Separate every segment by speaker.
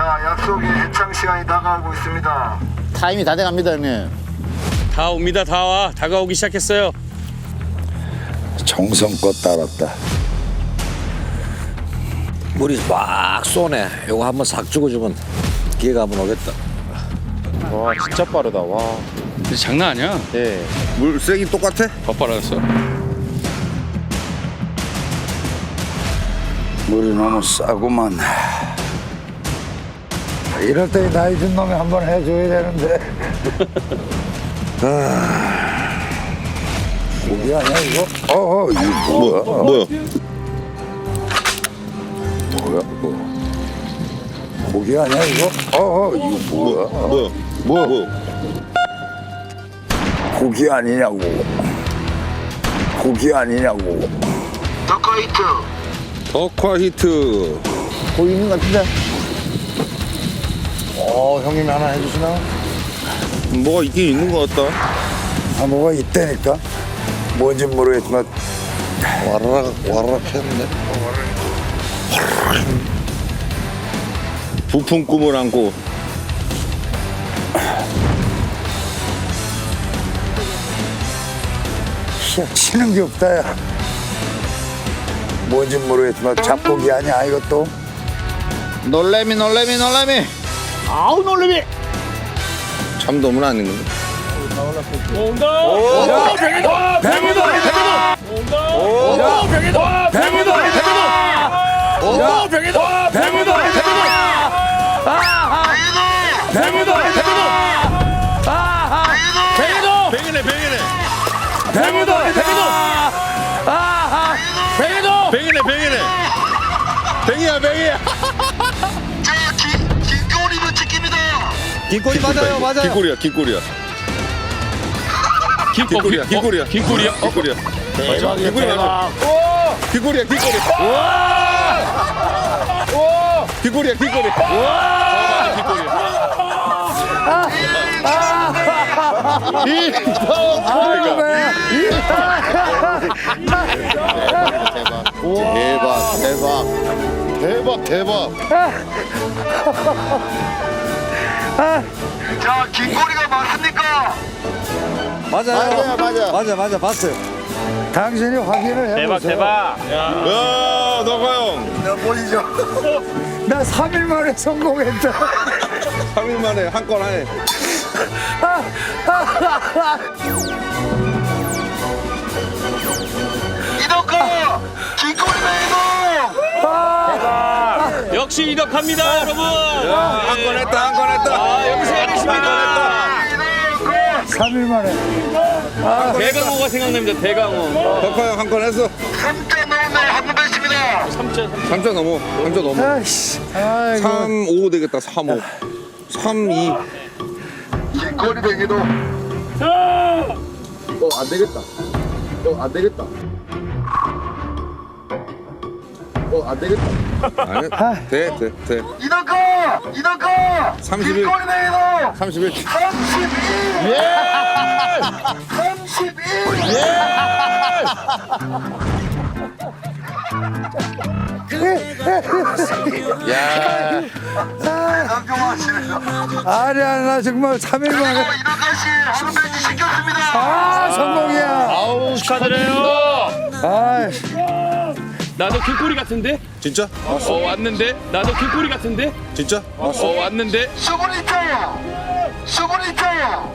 Speaker 1: 자, 약속의 해창 시간이 다가오고 있습니다.
Speaker 2: 타임이 다 돼갑니다, 형님.
Speaker 3: 다 옵니다. 다 와. 다가오기 시작했어요.
Speaker 4: 정성껏 따랐다.
Speaker 5: 물이 막 쏘네. 요거 한번 싹 죽어주면 기회가 한번 오겠다.
Speaker 2: 와, 진짜 빠르다. 와.
Speaker 3: 근데 장난 아니야.
Speaker 2: 예.
Speaker 4: 물 세기 똑같아?
Speaker 3: 더 빨라졌어.
Speaker 4: 물이 너무 싸구만. 이럴 때 나이 든 놈이 한번 해줘야 되는데. 고기 아니야 이거? 이거 뭐야?
Speaker 6: 뭐야?
Speaker 4: 뭐야 이거? 고기 아니야 이거? 이거 뭐야?
Speaker 6: 뭐야?
Speaker 4: 고기 아니냐고. 고기 아니냐고.
Speaker 1: 더카이트.
Speaker 6: 덕화 히트.
Speaker 2: 보이는 것 같은데?
Speaker 4: 형님이 하나 해주시나?
Speaker 6: 뭐가 있긴 있는 것 같다.
Speaker 4: 뭐가 있다니까? 뭔지 모르겠지만 와라락 했네.
Speaker 6: 부푼 꿈을 안고.
Speaker 4: 치는 게 없다 야. 뭔지 모르겠지만 잡고기 아니야 이것도.
Speaker 2: 놀래미. 아우, 놀래미.
Speaker 6: 참돔은 아닌 건데. 뱅이야.
Speaker 1: 자, 긴꼬리는 찍힙니다.
Speaker 5: 긴꼬리 맞아요, 맞아요.
Speaker 6: 긴꼬리야.
Speaker 3: 긴꼬리야.
Speaker 6: 긴꼬리야.
Speaker 2: 대박이야, 대박.
Speaker 6: 긴꼬리야.
Speaker 2: 대박.
Speaker 1: 자, 긴꼬리가 맞습니까?
Speaker 5: 맞아요. 맞아, 봤어요.
Speaker 4: 당신이 확인을 해보세요.
Speaker 3: 대박.
Speaker 6: 야, 너가 형.
Speaker 4: 나 보이죠? 나 3일 만에 성공했다.
Speaker 6: 3일 만에 한 건 하네.
Speaker 1: 이덕화 긴꼬리 매너.
Speaker 3: 역시 이덕합니다, 여러분.
Speaker 6: 한 건 했다.
Speaker 3: 여기서 해내십니다.
Speaker 4: 3일 만에.
Speaker 3: 대강호가 생각납니다. 대강호.
Speaker 6: 덕화 형 한 건 했어.
Speaker 1: 3자 넘네 한번 됐습니다.
Speaker 6: 3자 넘어.
Speaker 4: 아이씨. 아이고.
Speaker 6: 3, 5 되겠다. 3, 5. 3, 2.
Speaker 1: 긴꼬리 매기도.
Speaker 6: 안 되겠다. 아니, 돼.
Speaker 1: 이덕화
Speaker 6: 31.
Speaker 1: 긴꼬리 매너.
Speaker 6: 31.
Speaker 1: 32. 예. 31.
Speaker 6: 야.
Speaker 1: 남경하시네요.
Speaker 4: 아니야, 나 정말 3일 만에.
Speaker 1: 이덕화 씨 한 배지 시켰습니다.
Speaker 4: 성공이야.
Speaker 3: 아우, 축하드려요.
Speaker 4: 아이씨.
Speaker 3: 나도 긴꼬리 같은데?
Speaker 6: 진짜?
Speaker 3: 왔는데? 나도 긴꼬리 같은데?
Speaker 6: 진짜?
Speaker 3: 왔는데?
Speaker 1: 수분 있어요.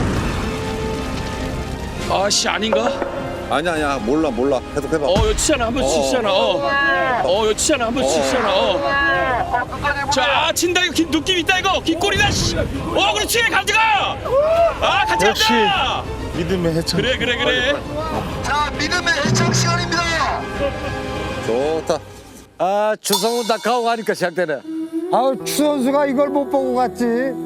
Speaker 3: 아씨, 아닌가?
Speaker 6: 아니야. 몰라. 해봐.
Speaker 3: 이거 치잖아. 한 번 치잖아. 이거 치잖아. 한 번 치잖아. 자, 친다. 이거 느낌 있다, 이거. 긴꼬리다, 씨. 그렇지. 가져가. 같이 간다.
Speaker 2: 믿음의 해창.
Speaker 3: 그래.
Speaker 1: 자, 믿음의 해창 시간입니다.
Speaker 6: 좋다.
Speaker 5: 추성훈 다카오 가니까 시작되네.
Speaker 4: 추 선수가 이걸 못 보고 갔지.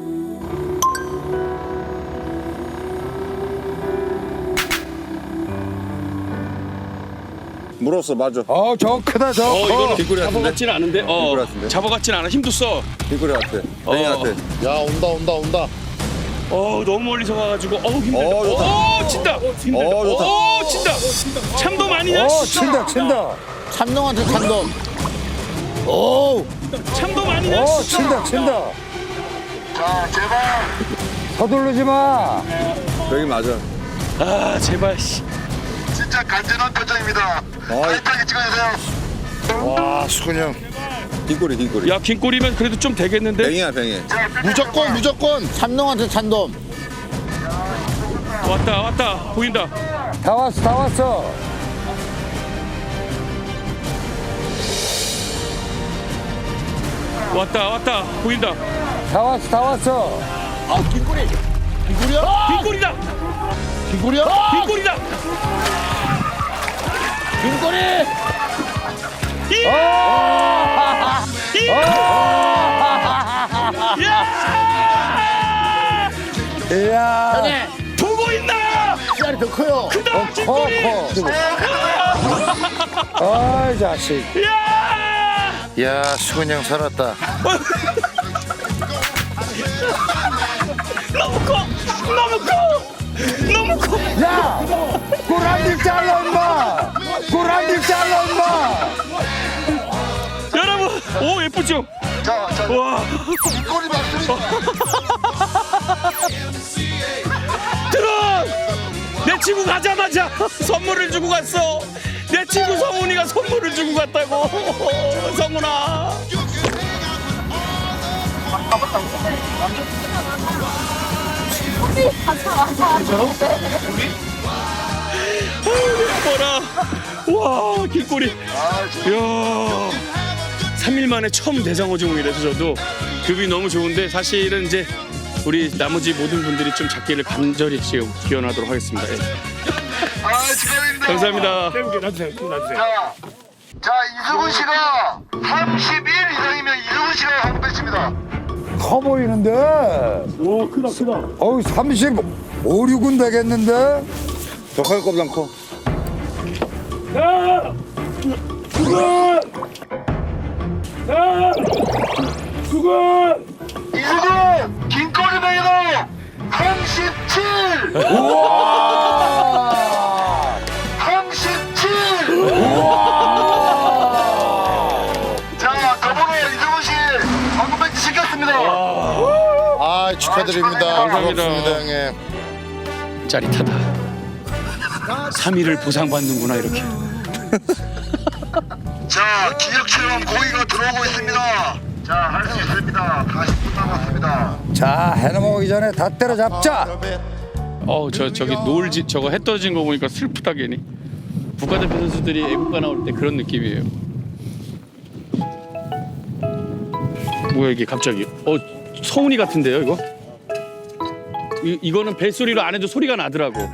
Speaker 6: 물었어, 맞아.
Speaker 4: 저 크다, 저 커.
Speaker 3: 이거는
Speaker 6: 긴꼬리 같은데?
Speaker 3: 잡아같진 않은데?
Speaker 6: 긴꼬리 같은데?
Speaker 3: 잡아같진 않아. 힘도 써.
Speaker 6: 길거리 같아. 뱅이 같아.
Speaker 2: 야, 온다.
Speaker 3: 너무 멀리서 가가지고 힘들다.
Speaker 6: 좋다.
Speaker 3: 친다.
Speaker 6: 좋다.
Speaker 3: 친다. 참돔 아니냐?
Speaker 4: 친다.
Speaker 2: 참돔한테 참돔. 오,
Speaker 3: 참돔 아니냐?
Speaker 4: 어, 친다.
Speaker 1: 자, 제발.
Speaker 4: 서두르지 마.
Speaker 6: 여기 맞아.
Speaker 3: 아 제발. 씨.
Speaker 1: 진짜 간절한 표정입니다. 타이트하게 찍어주세요.
Speaker 2: 와 수근이 형
Speaker 6: 흰꼬리.
Speaker 3: 야 긴 꼬리면 그래도 좀 되겠는데?
Speaker 6: 뱅이야, 뱅이.
Speaker 1: 자,
Speaker 2: 무조건 참돔한테 참돔.
Speaker 3: 왔다 보인다.
Speaker 4: 다 왔어.
Speaker 3: 왔다 보인다.
Speaker 4: 다 왔어.
Speaker 2: 아 긴꼬리야?
Speaker 3: 긴 꼬리다.
Speaker 2: 긴꼬리야?
Speaker 3: 긴 꼬리다.
Speaker 2: 긴꼬리.
Speaker 4: 이야.
Speaker 3: 보고 있나?
Speaker 2: 씨알이 더 커요.
Speaker 3: 크다 긴 꼬리.
Speaker 4: 아이 자식.
Speaker 2: 야 수근이 형 살았다.
Speaker 3: 너무 커.
Speaker 4: 야, 꼬랑지 잘라 임마.
Speaker 3: 여러분, 오 예쁘죠?
Speaker 1: 자,
Speaker 3: 와,
Speaker 1: 뒷골이 맞습니다.
Speaker 3: 들어. 내 친구 가자마자 선물을 주고 갔어. 내 친구 성훈이가 선물을 주고 갔다고. 성훈아. 뭐라? 와, 길꼬리. 이야. 3일 만에 처음 대상어종이라서 저도 급이 너무 좋은데 사실은 이제 우리 나머지 모든 분들이 좀 잡기를 간절히 지금 기원하도록 하겠습니다. 예.
Speaker 1: 축하드립니다.
Speaker 3: 감사합니다.
Speaker 1: 자, 이수근 씨가 31 이상이면 이수근 씨가 한국 배치입니다.
Speaker 4: 커 보이는데. 오, 크다. 어우, 35, 6은 되겠는데?
Speaker 6: 더 클 것보단 커.
Speaker 1: 이수근 긴꼬리 베이로 37. 37. 자, 더불어 이수근 씨 한국 배치 시켰습니다.
Speaker 2: 아 축하드립니다.
Speaker 3: 감사합니다.
Speaker 2: 고맙습니다 형님.
Speaker 3: 짜릿하다. 3일을 보상받는구나 이렇게.
Speaker 1: 자, 기억처럼 고기가 들어오고 있습니다. 자, 할 수 있습니다. 40분 남았습니다.
Speaker 4: 자, 해넘어가기 전에 다 때려잡자.
Speaker 3: 저기 노을지 저거 해 떨어진 거 보니까 슬프다 괜히. 국가대표 선수들이 애국가 나올 때 그런 느낌이에요. 뭐야 이게 갑자기? 성훈이 같은데요 이거? 이거는 벨소리로 안 해도 소리가 나더라고.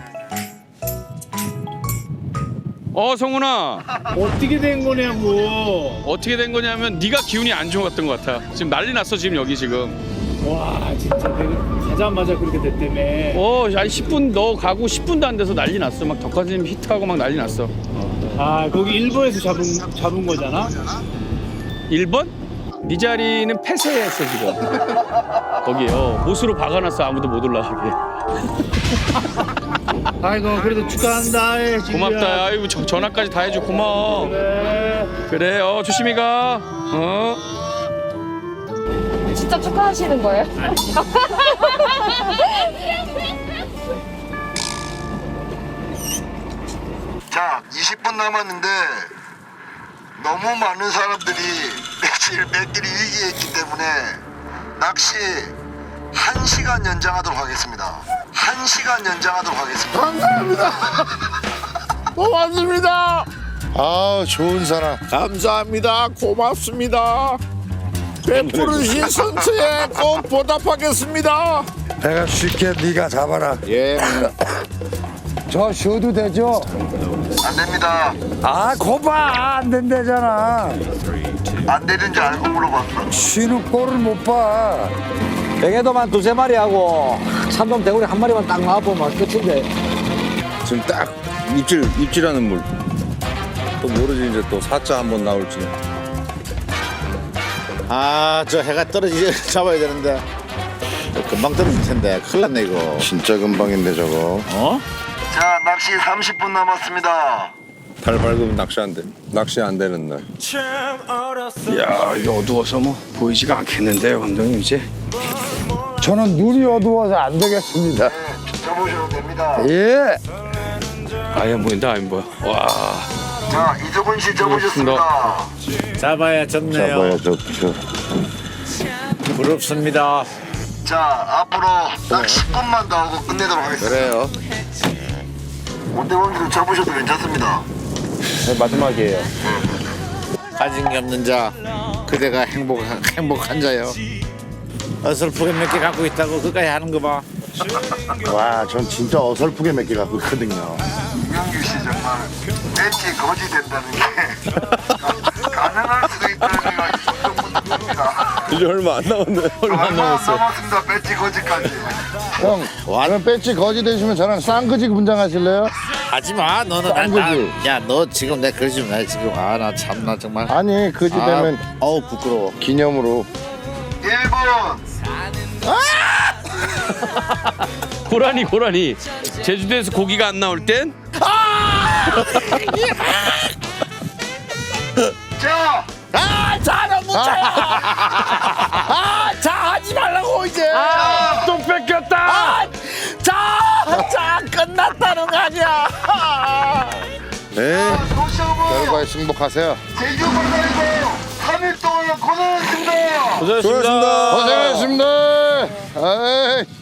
Speaker 3: 성훈아.
Speaker 7: 어떻게 된 거냐고.
Speaker 3: 어떻게 된 거냐면 네가 기운이 안 좋았던 것 같아. 지금 난리 났어 지금 여기 지금.
Speaker 7: 와 진짜 내가 가자마자 그렇게 됐다며.
Speaker 3: 아니 10분 너 가고 10분도 안 돼서 난리 났어. 막 덕화님 히트하고 막 난리 났어.
Speaker 7: 아 거기 일본에서 잡은 거잖아.
Speaker 3: 1번? 네 자리는 폐쇄했어 지금. 거기 못으로 박아놨어. 아무도 못 올라가게.
Speaker 7: 아이고 그래도 축하한다.
Speaker 3: 고맙다. 아이고 전화까지 다 해줘. 고마워. 그래. 조심히 가.
Speaker 8: 진짜 축하하시는 거예요?
Speaker 1: 자, 20분 남았는데 너무 많은 사람들이 매끼리 위기에 있기 때문에 낚시 1시간 연장하도록 하겠습니다. 1시간 연장하도록 하겠습니다.
Speaker 2: 감사합니다. 고맙습니다. 아 좋은 사람.
Speaker 5: 감사합니다. 고맙습니다. 베푸르신 선수에 꼭 보답하겠습니다.
Speaker 4: 내가 쉽게 네가 잡아라.
Speaker 5: 예.
Speaker 4: 저 쉬어도 되죠?
Speaker 1: 안 됩니다.
Speaker 4: 아, 거봐. 안 된대잖아.
Speaker 1: 안 되는 줄 알고 물어봤어.
Speaker 4: 쉬는 꼴을 못 봐.
Speaker 5: 뱅에도만 두세 마리 하고 참돔 대구리 한 마리만 딱 나와보면 끝인데.
Speaker 6: 지금 딱 입질하는 물. 또 모르지 이제 또 사자 한번 나올지.
Speaker 2: 아 저 해가 떨어지게 잡아야 되는데 금방 떨어질 텐데 큰일 났네 이거. 진짜 금방인데 저거.
Speaker 1: 자, 낚시 30분 남았습니다.
Speaker 6: 달 밝으면 낚시 안 돼. 낚시 안 되는 날.
Speaker 3: 야 이거 어두워서 뭐 보이지가 않겠는데요 감독님 이제.
Speaker 4: 저는 눈이 어두워서 안 되겠습니다.
Speaker 1: 접으셔도 됩니다.
Speaker 4: 예.
Speaker 3: 아예 안 보인다 안 보여. 와.
Speaker 1: 자, 이두근 씨 접으셨습니다.
Speaker 2: 잡아야 좋네요.
Speaker 6: 좋죠.
Speaker 2: 부럽습니다.
Speaker 1: 자, 앞으로 딱 10분만 더 하고 끝내도록 하겠습니다.
Speaker 6: 그래요.
Speaker 1: 오대원기도 접으셔도 괜찮습니다.
Speaker 4: 마지막이에요.
Speaker 2: 가진 게 없는 자, 그대가 행복한 자요. 어설프게 몇 개 갖고 있다고 그까지 하는 거 봐.
Speaker 9: 와, 전 진짜 어설프게 몇 개 갖고 있거든요.
Speaker 1: 이명규 씨 정말 배치 거지 된다는 게 가능할 수도 있다는 생각이 좀 듭니다.
Speaker 6: 이제 얼마 안 남았네.
Speaker 1: 얼마 안 남았습니다. 배치 거지까지.
Speaker 9: 형, 완전 배지 거지 되시면 저랑 쌍그지 분장하실래요?
Speaker 2: 하지 마, 너는
Speaker 9: 쌍그지.
Speaker 2: 야, 너 지금 내 그러지 마 지금. 아, 나 참나 정말.
Speaker 9: 아니, 그지 되면
Speaker 2: 어우 부끄러워.
Speaker 9: 기념으로.
Speaker 1: 1분.
Speaker 3: 고라니 제주도에서 고기가 안 나올 땐
Speaker 1: 자,
Speaker 2: 자는 못 차요. 자 하지 말라고 이제.
Speaker 3: 또 뺏겼다.
Speaker 2: 자 끝났다는 거 아니야.
Speaker 6: 네.
Speaker 1: 소시오브
Speaker 9: 결과에 승복하세요.
Speaker 1: 제주 바다에서 3일 동안 고생했습니다.
Speaker 6: 고생하셨습니다.
Speaker 9: 고생하셨습니다. 에이.